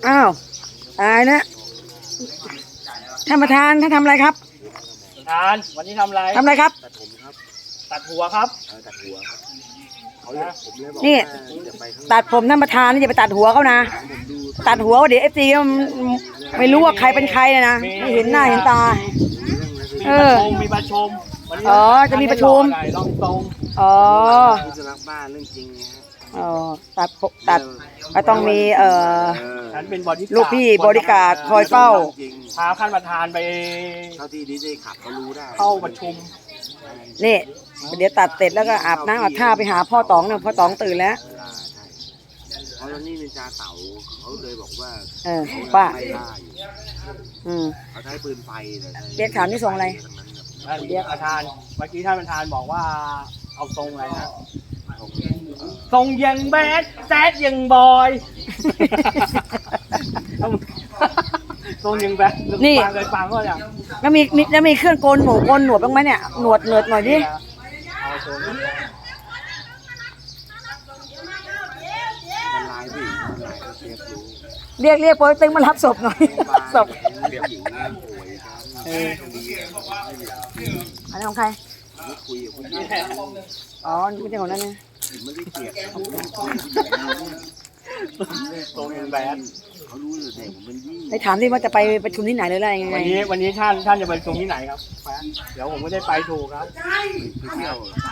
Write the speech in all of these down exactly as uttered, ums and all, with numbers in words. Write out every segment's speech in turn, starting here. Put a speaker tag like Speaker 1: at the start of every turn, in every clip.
Speaker 1: อ้าวตายนะท่านประธานท่านทำอะไรครับ
Speaker 2: ประธานวันนี้ทำอะไร
Speaker 1: ทำอะไรครับ
Speaker 3: ตัดผมครับ
Speaker 2: ตัดหัวครับ
Speaker 3: เออตัดหัวครับเขาเลยผมเลยบอก
Speaker 1: นี่
Speaker 3: จะไปข้าง
Speaker 1: ตัดผมท่านประธานนี่จะไปตัดหัวเขานะตัดหัวเดี๋ยวเอฟซีไม่รู้ว่าใครเป็นใครนะนะไม่เห็นหน้าเห็นตา
Speaker 2: มีประชุมมีประชุมวันนี้
Speaker 1: อ๋อจะมีประชุม
Speaker 2: ลองตรง
Speaker 1: อ๋อ
Speaker 3: ผู้จะรักบ้านเรื่องจริงไงฮะ
Speaker 1: อ๋อตัดผมตัดก็ต้องมีเอ่อ
Speaker 3: เออ
Speaker 2: ฉันเป็นบอดี้
Speaker 1: ลูกพี่บริการคอยเฝ้า
Speaker 3: จริง
Speaker 2: พาท่านประธานไป
Speaker 3: เท่าที่ดีเจขับเขารู้ได้
Speaker 2: เข้าประชุม
Speaker 1: นี่เดี๋ยวตัดเสร็จแล้วก็อาบน้ำอาบท่าไปหาพ่อต๋องเนี่ยพ่อต๋องตื่นแล้ว
Speaker 3: เพราะตอนนี้นินจาเต่าเขาเลยบอกว่า
Speaker 1: เออป้า
Speaker 3: ไล่ล่าอยู่
Speaker 1: อืม
Speaker 3: เขาใช้ปืนไฟเลย
Speaker 1: เรียกถามนี่ส่งอะไร
Speaker 2: เรียกประธานเมื่อกี้ท่านประธานบอกว่าเอาทรงอะไรนะทรงยังแบดแซดยังบอยทรงยังแบด
Speaker 1: นี่
Speaker 2: ฟังเลยฟังก็อย่าง
Speaker 1: แล้วมีมีแล้วมีเครื่องโกนหนูโกนหนวดบ้างไหมเนี่ยหนวดเนิร์ดหน่อยดิ
Speaker 2: เอาทรง
Speaker 3: มันลายผู้หญิงมันลายเขาเชฟรู้
Speaker 1: เรียกเรียกโป๊ยเต็งมารับศพหน่อยศพ
Speaker 3: เรียกผู้หญิงนะโวยครับ
Speaker 1: เอออันนี้ของใคร
Speaker 3: ไม่คุยกับผู้หญิง
Speaker 1: อ๋อไม่ใช่ของนั่นนะ
Speaker 3: ผมไม่ได้เกลียดเขาผม
Speaker 2: ทรงยังแบด
Speaker 3: เขารู้อยู่เด็กผมเป็นยี่
Speaker 1: ให้ถามที่ว่าจะไปประชุมที่ไหนหรืออะไรยังไง
Speaker 2: วันนี้วันนี้ท่านท่านจะไปประชุมที่ไหนครับเดี๋ยวผมไม่ได้ไปถูกครับ
Speaker 3: ไปเที่ยว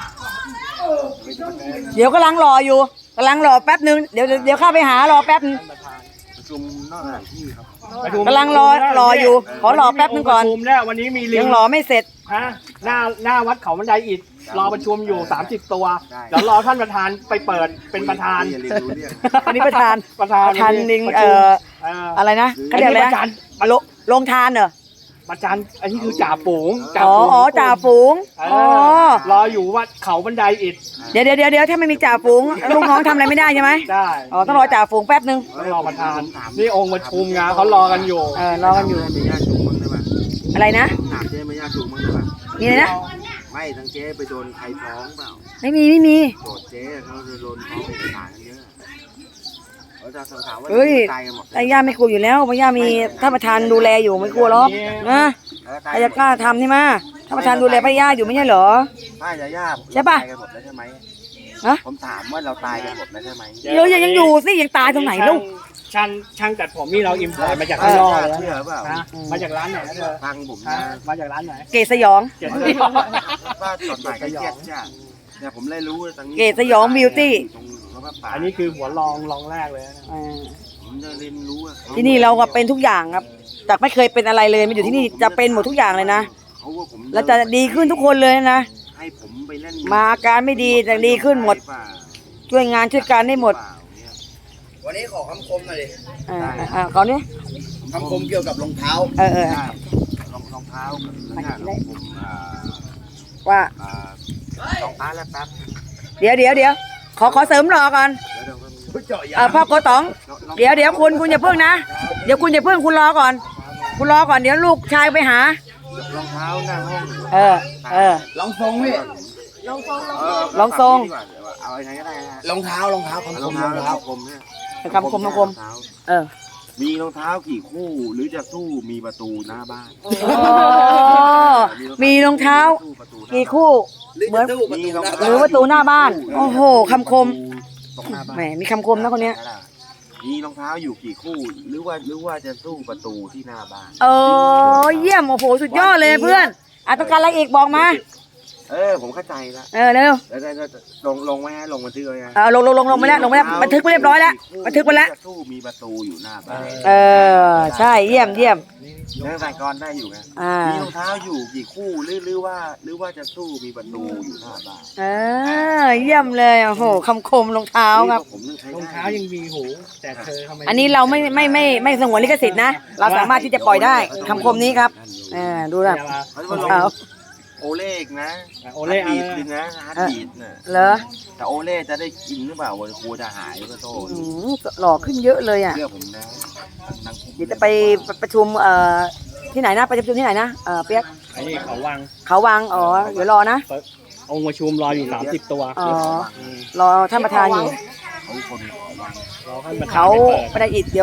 Speaker 1: เดี๋ยวกำลังรออยู่กำลังรอแป๊บนึงเดี๋ยวเดี๋ยวเข้าไปหารอแป๊บนึง
Speaker 2: ท่านประธาน
Speaker 3: ประชุมนอกสถานที่ครับ
Speaker 2: ประชุม
Speaker 1: กำลังรอรออยู่ขอรอแป๊บนึงก่อน
Speaker 2: ประชุมเนี่ยวันนี้มีลิ
Speaker 1: ยังรอไม่เสร็จ
Speaker 2: ฮะหน้าหน้าวัดเขาบันไดอิฐรอประชุมอยู่สามสิบตัวเดี๋ยวรอท่านประธานไปเปิดเป็นประธาน
Speaker 3: เรียนรู้เรื่อง
Speaker 1: อันนี้ประธาน
Speaker 2: ประธาน
Speaker 1: ประธานลิง
Speaker 2: ประ
Speaker 1: เอ่
Speaker 2: ชุม
Speaker 1: อ
Speaker 2: เอ่อ
Speaker 1: อะไรนะเขาเรียกอะไร
Speaker 2: ประ
Speaker 1: นะ
Speaker 2: ธาน
Speaker 1: โลลงทานเหรอ
Speaker 2: ประธานอันนี้คือจ่าฝูงจ่า
Speaker 1: อ๋อ
Speaker 2: ฝูง
Speaker 1: อ๋อจ่าฝูง
Speaker 2: เอ
Speaker 1: อ๋อ
Speaker 2: อรออยู่วัดเขาบันไดอิฐ
Speaker 1: เดี๋ยวเดี๋ยวเดี๋ยวเดี๋ยวถ้าไม่มีจ่าฝูงลูกน้องทำอะไรไม่ได้ใช่ไหม
Speaker 2: ได้
Speaker 1: อ๋อต้องรอจ่าฝูงแป๊บนึง
Speaker 2: ต้องรอประธานนี่องค์ประชุมงานเขารอกันอยู่
Speaker 1: เออรอกันอยู่
Speaker 3: มีญาติจูงมั้งได้ป่ะ
Speaker 1: อะไรนะ
Speaker 3: ถามเจ๊ไม่ญาติจูงมั้งได้ป่ะ
Speaker 1: มีอะไรนะ
Speaker 3: ไม่ทั้งเจ๊ไปโดนใครฟ้องเปล่า
Speaker 1: ไม่มีไม่มี
Speaker 3: โจทย์เจ๊เขาจะโดนฟ้องเอกสารเยอะเขาจะถามว่า
Speaker 1: เฮ้ย
Speaker 3: ตายกันหมด
Speaker 1: แต่ย่าไม่กลัวอยู่แล้วเพราะย่ามีท่านประธานดูแลอยู่ไม่กลัวหรอกนะใครจะกล้าทำนี่มาท่านประธานดูแลพระย่าอยู่ไม่ใช่เหรอ
Speaker 3: ป้าจะย่า
Speaker 1: ใช่ปะ
Speaker 3: ตายกันหมดแล้วใช่ไหม
Speaker 1: ฮะ
Speaker 3: ผมถามว่าเราตายกันหมดแล้วใช่ไหม
Speaker 1: เรายังอยู่สิยังตายตรงไหนลูก
Speaker 2: ช่างช่างตัดผมนี่เราอิมพอร์ตมาจากข้างนอกเลย
Speaker 3: เชื่อเปล่า
Speaker 2: นะมาจากร้านไหนนะเธอ
Speaker 3: ฟังผม
Speaker 2: ฮะ
Speaker 3: นะ
Speaker 2: มาจากร้านไหน
Speaker 1: เกศสยอง
Speaker 2: เจ็ด
Speaker 3: ว่าจดหมายก็เครียดจ้ะเนี่ยผมเลยรู้ว่าตรงนี้
Speaker 1: เกศสยองบิวตี้
Speaker 3: ตรงพระป่า
Speaker 2: อันนี้คือหัวรองรองแรกเลยนะ
Speaker 1: อ่า
Speaker 3: ผมจะเรียนรู้อะ
Speaker 1: ที่นี่เราก็เป็นทุกอย่างครับจากไม่เคยเป็นอะไรเลยมาอยู่ที่นี่จะเป็นหมดทุกอย่างเลยนะ
Speaker 3: เขาว่าผม
Speaker 1: แล้วจะดีขึ้นทุกคนเลยนะ
Speaker 3: ให้ผมไปเล่น
Speaker 1: มาอาการไม่ดีแต่ดีขึ้นหมด ช่วยงานช่วยการได้หมด
Speaker 4: วันนี้ขอคำคมหน่อยดิ
Speaker 1: อ่าอ่าก่อนนี้
Speaker 4: คำคมเกี่ยวกับรองเท้า
Speaker 1: เออเออ
Speaker 3: ได้รองรองเท้ากับเนื้อหนังผมอ่า
Speaker 1: ว่า
Speaker 3: อ่ารองเท้าแล้วแป๊บ
Speaker 1: เดี๋ยวเดี๋ยวเดี๋ยวขอขอเสริมรอก่อน
Speaker 3: เดี๋ยวเดี๋ยว
Speaker 4: เจาะยา
Speaker 1: เออพ่อโกต๋อง เดี๋ยวเดี๋ยวคุณคุณอย่าเพิ่งนะเดี๋ยวคุณอย่าเพิ่งคุณรอก่อน คุณรอก่อนเดี๋ยวลูกชายไปหา
Speaker 3: รองเท้าหน้าห้อง
Speaker 1: เออเออ
Speaker 4: ลองทรงพี่
Speaker 3: เ
Speaker 1: ลองทรง
Speaker 3: ดีกว่าเอายังไงก็ได้นะ
Speaker 4: รองเท้ารองเท้าคำค
Speaker 3: รอ
Speaker 4: ม
Speaker 3: ง
Speaker 4: ร
Speaker 3: เท้า
Speaker 4: อง
Speaker 3: รอง
Speaker 4: เท้า
Speaker 3: เท้าคมเนี่ย
Speaker 1: คำคมคำคมเออ
Speaker 3: มีรองเท้ากี่คู่หรือจะสู้มีประตูหน้าบ้าน
Speaker 1: อ๋อมีรองเท้ากี่คู่
Speaker 4: หรือ
Speaker 1: เหมือน
Speaker 4: จะตู้ประตูหน้า
Speaker 1: หรือประตูหน้าบ้าน โอ้โหคำคม
Speaker 3: ตรงหน้าบ้าน
Speaker 1: แหมมีคำคมนะคนเนี้ย
Speaker 3: มีรองเท้าอยู่กี่คู่ หรือว่าหรือว่าจะสู้ประตูที่หน้าบ้าน
Speaker 1: เออเยี่ยมโอ้โหสุดยอดเลยเพื่อนอ่ะต้องการอะไรอีกบอกมา
Speaker 3: เออผมเข้าใจแล้ว
Speaker 1: เออเร็ว
Speaker 3: แล้วแล้วลงลงไว้ฮะลงบันทึกไว้ฮะ
Speaker 1: เออลงลงลงลงไปแล้วลงไปแล้วบันทึกไปเรียบร้อยแล้วบันทึกไปแล้ว
Speaker 3: จะสู้มีประตูอยู่หน้าบ้าน
Speaker 1: เออใช่เยี่ยมเยี่ยม
Speaker 3: เรื่องสายกรได้อยู่ไง
Speaker 1: อ่า
Speaker 3: มีรองเท้าอยู่กี่คู่หรือหรือว่าหรือว่าจะสู้มีประตูอยู่หน้าบ้าน
Speaker 1: เออเยี่ยมเลยโอ้โหคำคมรองเท้าครับ
Speaker 3: ผมต้องใช้
Speaker 2: รองเท้ายังมีหูแต่เธอทำไม
Speaker 1: อันนี้เราไม่ไม่ไม่ไม่สงวนลิขสิทธิ์นะ เราสามารถที่จะปล่อยได้คำคมนี้ครับเออดูนะ
Speaker 3: เขา
Speaker 1: รอง
Speaker 3: จะ
Speaker 1: เท้า
Speaker 3: โอเล่นะ
Speaker 2: โอเล่
Speaker 3: ฮาร์ดบีด
Speaker 2: เอา
Speaker 3: เลยนะฮาร์ดบีดน่ะ
Speaker 1: เหรอ
Speaker 3: แต่โอเล่จะได้กินหรือเปล่าวันครูจะหายก็โต
Speaker 1: อืมหล่อขึ้นเยอะเลยอ่ะ
Speaker 3: เชื่อผมนะนาง
Speaker 1: เดี๋ยวจะไปประชุมเอ่อที่ไหนนะไปประชุมที่ไหนนะเออเปียก
Speaker 2: อันนี้เขาวาง
Speaker 1: เขาวังอ๋อเดี๋ยวรอนะ
Speaker 2: องค์ประชุมรออยู่สามสิบตัว
Speaker 1: อ๋อรอท่านประธานอยู่
Speaker 3: เขาคนขอวัง
Speaker 2: รอท่านประธาน
Speaker 1: เขา
Speaker 2: ไปเปิด
Speaker 1: ประดอิดเดี๋ยว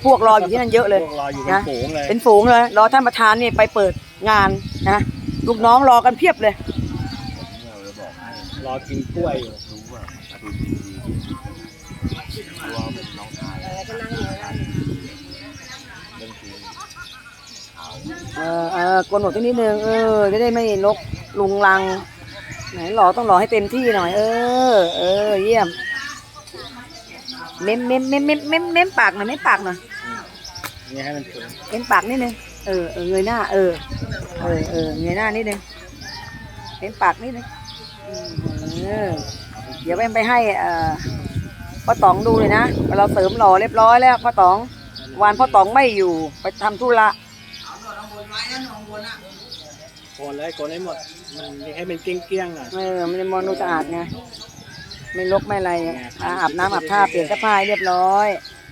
Speaker 1: พวกรออยู่ที่นั่นเยอะเลย
Speaker 2: พวกรออยู่เป็นฝูงเลย
Speaker 1: เป็นฝูงเลยรอท่านประธานนี่ไปเปิดงานนะลูกน้องรอกันเพียบเลย
Speaker 3: เราจะบอกให้
Speaker 2: รอกินกล้วยอยู่
Speaker 3: รู้ว่าประตูทีวีตัวเป็นน้องชายเรื่องจริงเอา
Speaker 1: เออเออโกนหนวดสักนิดนึงเออจะได้ไม่ลกลุงลังไหนหล่อต้องหล่อให้เต็มที่หน่อย เออเออเยี่ยมเม้มเม้มเม้มเม้มเม้มเม้มปากหน่อยเม้มปากหน่อย
Speaker 2: นี่ให้มันถึง
Speaker 1: เม้มปากนิดนึงเออเออเงยหน้าเออเออเออเงยหน้านิดนึงเม้มปากนิดนึงอืมเออเดี๋ยวไปไปให้เอ่อพ่อต๋องดูเลยนะเราเสริมหล่อเรียบร้อยแล้วพ่อต๋องวันพ่อต๋องไม่อยู่ไปทำธุระ
Speaker 2: โกนเลยโกนให้หมดมันให้เป็นเกลี้ยงๆหน่อย
Speaker 1: เออมันจะมองดูสะอาดไงไม่รกไม่อะไรอ่ะอ่าอาบน้ำอาบท่าเปลี่ยนเสื้อผ้าให้เรียบร้อย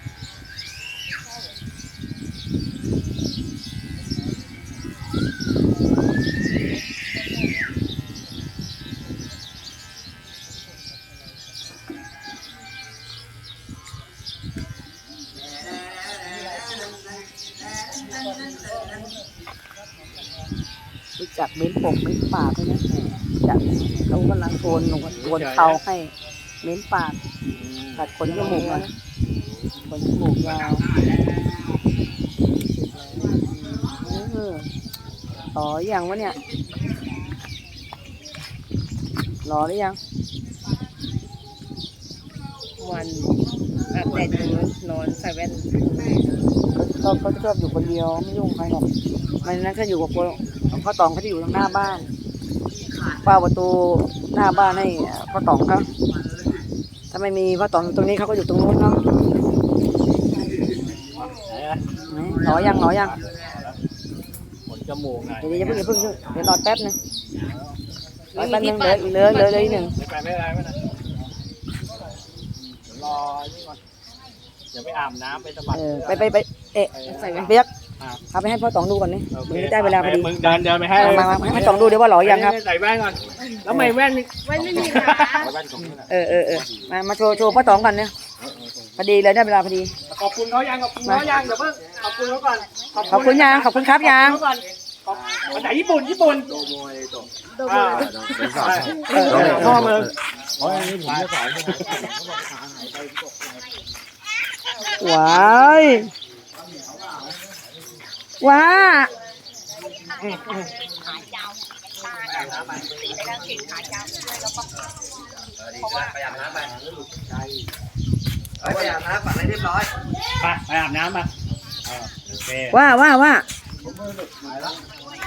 Speaker 1: รู้จักเม้นปกเม้นปากด้วยนะจักเขากำลังโกนหนวดโกนเขาให้เม้นปากตัดขนจมูกอ่ะขนจมูกยาวเออต่ออย่างวะเนี่ยรอหรือยัง
Speaker 5: วันอาบแดดอยู่นอนใส่แว่น
Speaker 1: เขาเขาชอบอยู่คนเดียวไม่ยุ่งใครหรอกมันนั้นเขาอยู่กับพ่อต๋องเขาจะอยู่ทางหน้าบ้านเฝ้าประตูหน้าบ้านให้พ่อต๋องเขาถ้าไม่มีพ่อต๋องอยู่ตรงนี้เขาก็อยู่ตรงนู้นเนาะ
Speaker 2: ไหนอะ
Speaker 1: หนอยังหนอยัง
Speaker 2: ขนจมูกหน่อย
Speaker 1: เดี๋ยวอย่าเพิ่งอย่าเพิ่งเดี๋ยวรอแป๊บนึงรอแป๊บนึงเหลือเหลือเหลือเหลืออีกหนึ่ง
Speaker 2: ไม่ไปไม่ไปไม่ไปเดี๋ยวรอนี่ก่อนเดี๋ยวไปอาบน้ำไปสะบัด
Speaker 1: เออไปไปไปเอ๊ะเปียกเอาไปให้พ่อต๋องดูก่อนนี่
Speaker 2: โอเค
Speaker 1: มึงได้เวลาพอดี
Speaker 2: มึงเดินเดินไปให้
Speaker 1: มามามาให้พ่อต๋องดูเดี๋ยวว่าหล่อยังครับ
Speaker 2: ใส่แว่นก่อนแล้วไม่แว่นนี่
Speaker 5: แว่นไม่มีขา
Speaker 3: เอาแว่นตรงนี้แหละ
Speaker 1: เออเออเออมามาโชว์โชว์พ่อต๋องกันเนี่ยพอดีเลยได้เวลาพอดี
Speaker 2: ขอบคุณเขายังขอบคุณเขายังเดี๋ยวเพิ่งขอบคุณเขาก่อน
Speaker 1: ขอบคุณยังขอบคุณครับยัง
Speaker 2: ขอบคุณเขาก่อนขอบภาษาญี่ปุ่นญี่ปุ่น
Speaker 3: โดโมยโต
Speaker 2: อ่า
Speaker 3: เป็นสาว
Speaker 1: เออเออ
Speaker 2: พ่อเมือง
Speaker 3: เพราะอันนี้ผมจะสอน
Speaker 1: ว้ายว้า
Speaker 4: ไปอาบน้ำไปไปอาบน้ำปัดให้เรียบร้อย
Speaker 2: ไปไปอาบน้ำมาเออโอเค
Speaker 1: ว่าว่าว่า